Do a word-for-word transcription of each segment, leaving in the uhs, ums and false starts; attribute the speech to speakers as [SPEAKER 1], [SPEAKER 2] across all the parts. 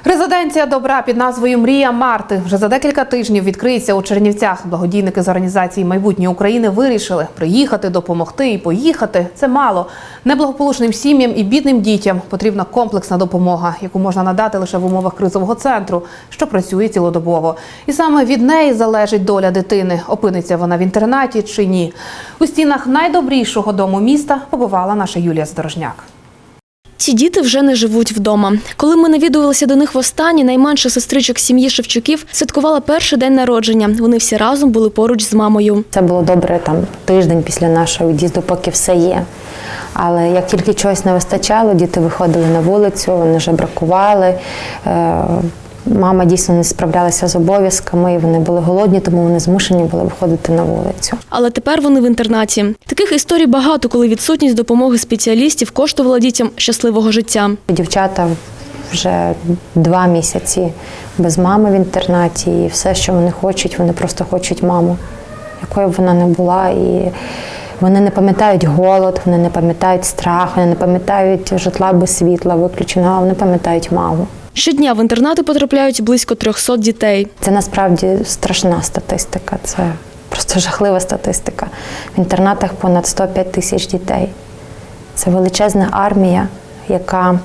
[SPEAKER 1] Резиденція добра під назвою «Мрія Марти» вже за декілька тижнів відкриється у Чернівцях. Благодійники з організації «Майбутнє України» вирішили – приїхати, допомогти і поїхати – це мало. Неблагополучним сім'ям і бідним дітям потрібна комплексна допомога, яку можна надати лише в умовах кризового центру, що працює цілодобово. І саме від неї залежить доля дитини – опиниться вона в інтернаті чи ні. У стінах найдобрішого дому міста побувала наша Юлія Здорожняк.
[SPEAKER 2] Ці діти вже не живуть вдома. Коли ми навідувалися до них востаннє, найменша сестричок сім'ї Шевчуків святкувала перший день народження. Вони всі разом були поруч з мамою.
[SPEAKER 3] Це було добре там тиждень після нашого від'їзду, поки все є. Але як тільки чогось не вистачало, діти виходили на вулицю, вони жебракували. Мама дійсно не справлялася з обов'язками, і вони були голодні, тому вони змушені були виходити на вулицю.
[SPEAKER 2] Але тепер вони в інтернаті. Таких історій багато, коли відсутність допомоги спеціалістів коштувала дітям щасливого життя.
[SPEAKER 3] Дівчата вже два місяці без мами в інтернаті, і все, що вони хочуть, вони просто хочуть маму, якою б вона не була. І вони не пам'ятають голод, вони не пам'ятають страх, вони не пам'ятають житла без світла виключеного, вони пам'ятають маму.
[SPEAKER 2] Щодня в інтернати потрапляють близько трьохсот дітей.
[SPEAKER 3] Це насправді страшна статистика, це просто жахлива статистика. В інтернатах понад сто п'ять тисяч дітей. Це величезна армія, яка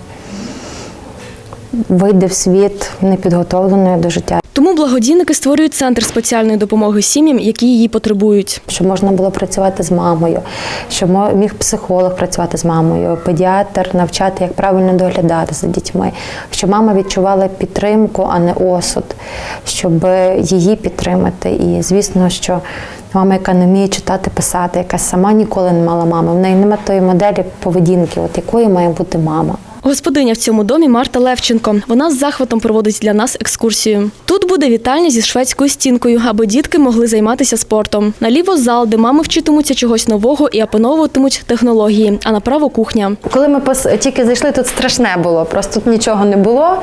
[SPEAKER 3] вийде в світ непідготовленою до життя.
[SPEAKER 2] Тому благодійники створюють центр спеціальної допомоги сім'ям, які її потребують.
[SPEAKER 3] Щоб можна було працювати з мамою, щоб міг психолог працювати з мамою, педіатр навчати, як правильно доглядати за дітьми, щоб мама відчувала підтримку, а не осуд, щоб її підтримати. І, звісно, що мама, яка не вміє читати, писати, яка сама ніколи не мала мами, в неї немає тої моделі поведінки, от якою має бути мама.
[SPEAKER 2] Господиня в цьому домі Марта Левченко. Вона з захватом проводить для нас екскурсію. Тут буде вітальня зі шведською стінкою, аби дітки могли займатися спортом. Наліво зал, де мами вчитимуться чогось нового і опановуватимуть технології, а направо кухня.
[SPEAKER 3] Коли ми тільки зайшли, тут страшне було, просто тут нічого не було.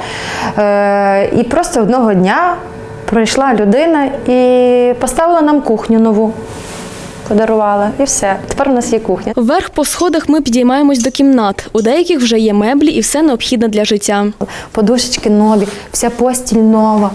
[SPEAKER 3] І просто одного дня прийшла людина і поставила нам кухню нову. Подарувала, і все. Тепер у нас є кухня.
[SPEAKER 2] Вверх по сходах ми підіймаємось до кімнат. У деяких вже є меблі і все необхідне для життя.
[SPEAKER 3] Подушечки нові, вся постіль нова,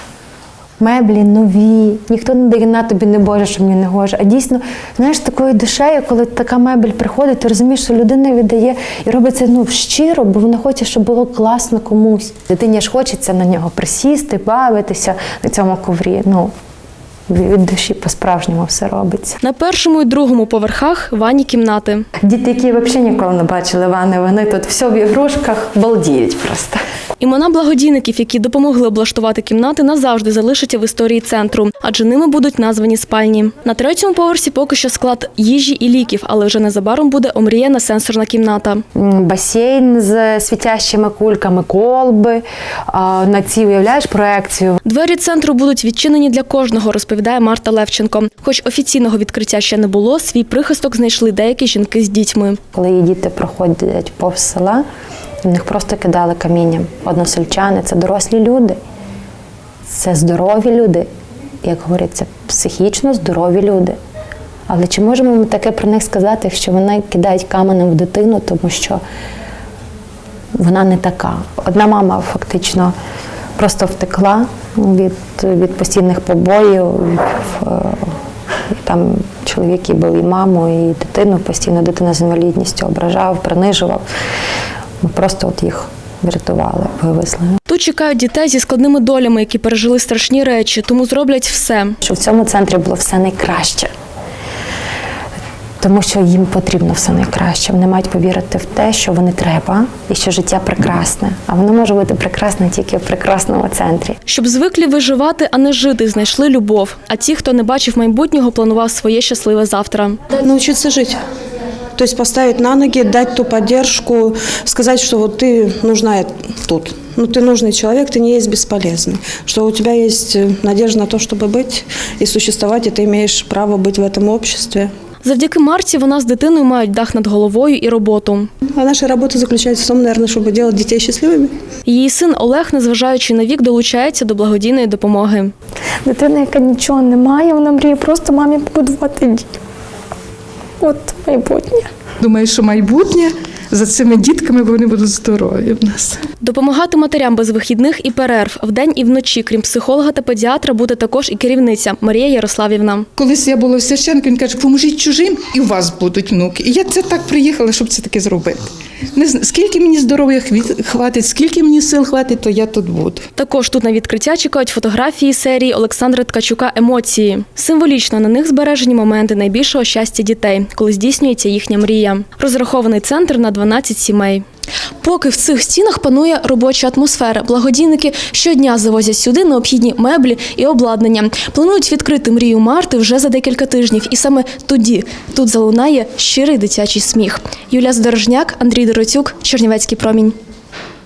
[SPEAKER 3] меблі нові. Ніхто не дає на тобі, не Боже, що мені не гоже. А дійсно, знаєш, такою душею, коли така мебель приходить, ти розумієш, що людина віддає і робить це ну, щиро, бо вона хоче, щоб було класно комусь. Дитині ж хочеться на нього присісти, бавитися на цьому коврі. Ну, від душі по-справжньому все робиться.
[SPEAKER 2] На першому і другому поверхах ванні кімнати.
[SPEAKER 3] Діти, які взагалі ніколи не бачили ванни, вони тут все в ігрушках, балдіють просто.
[SPEAKER 2] Імена благодійників, які допомогли облаштувати кімнати, назавжди залишаться в історії центру, адже ними будуть названі спальні. На третьому поверсі поки що склад їжі і ліків, але вже незабаром буде омріяна сенсорна кімната.
[SPEAKER 3] Басейн з світящими кульками, колби, на цій, уявляєш, проекцію.
[SPEAKER 2] Двері центру будуть відчинені для кожного, розповідає Марта Левченко. Хоч офіційного відкриття ще не було, свій прихисток знайшли деякі жінки з дітьми.
[SPEAKER 3] Коли її діти проходять повз села, в них просто кидали камінням. Односельчани – це дорослі люди, це здорові люди, як говориться, психічно здорові люди. Але чи можемо ми таке про них сказати, якщо вони кидають каменем в дитину, тому що вона не така. Одна мама фактично просто втекла від, від постійних побоїв. Там чоловік і бив і маму, і дитину постійно, дитина з інвалідністю ображав, принижував. Ми просто от їх врятували, вивезли.
[SPEAKER 2] Тут чекають дітей зі складними долями, які пережили страшні речі, тому зроблять все.
[SPEAKER 3] Щоб в цьому центрі було все найкраще. Тому що їм потрібно все найкраще. Вони мають повірити в те, що вони треба і що життя прекрасне. А воно може бути прекрасне тільки в прекрасному центрі.
[SPEAKER 2] Щоб звиклі виживати, а не жити, знайшли любов. А ті, хто не бачив майбутнього, планував своє щасливе завтра.
[SPEAKER 4] Научиться жити. То есть поставить на ноги, дать ту поддержку, сказать, что вот ты нужна тут. Ну, ты нужный человек, ты не есть бесполезный. Что у тебя есть надежда на то, чтобы быть и существовать, и ты имеешь право быть в этом обществе.
[SPEAKER 2] Завдяки Марті вона з дитиною мають дах над головою і роботу.
[SPEAKER 4] А наша робота заключається в тому, наверное, щоб робити дітей щасливими.
[SPEAKER 2] Її син Олег, незважаючи на вік, долучається до благодійної допомоги.
[SPEAKER 3] Дитина, яка нічого не має, вона мріє просто мамі побудувати дім. От майбутнє.
[SPEAKER 5] Думаю, що майбутнє за цими дітками, бо вони будуть здорові в нас.
[SPEAKER 2] Допомагати матерям без вихідних і перерв вдень і вночі, крім психолога та педіатра, буде також і керівниця Марія Ярославівна.
[SPEAKER 5] Колись я була в священнику, він каже, поможіть чужим, і у вас будуть внуки. І я це так приїхала, щоб це таке зробити. Не знаю, скільки мені здоров'я хві- хватить, скільки мені сил хватить, то я тут буду.
[SPEAKER 2] Також тут на відкриття чекають фотографії серії Олександра Ткачука «Емоції». Символічно на них збережені моменти найбільшого щастя дітей, коли здійснюється їхня мрія. Розрахований центр на дванадцять сімей. Поки в цих стінах панує робоча атмосфера, благодійники щодня завозять сюди необхідні меблі і обладнання. Планують відкрити мрію Марти вже за декілька тижнів. І саме тоді тут залунає щирий дитячий сміх. Юлія Здорожняк, Андрій Дороцюк, Чернівецький промінь.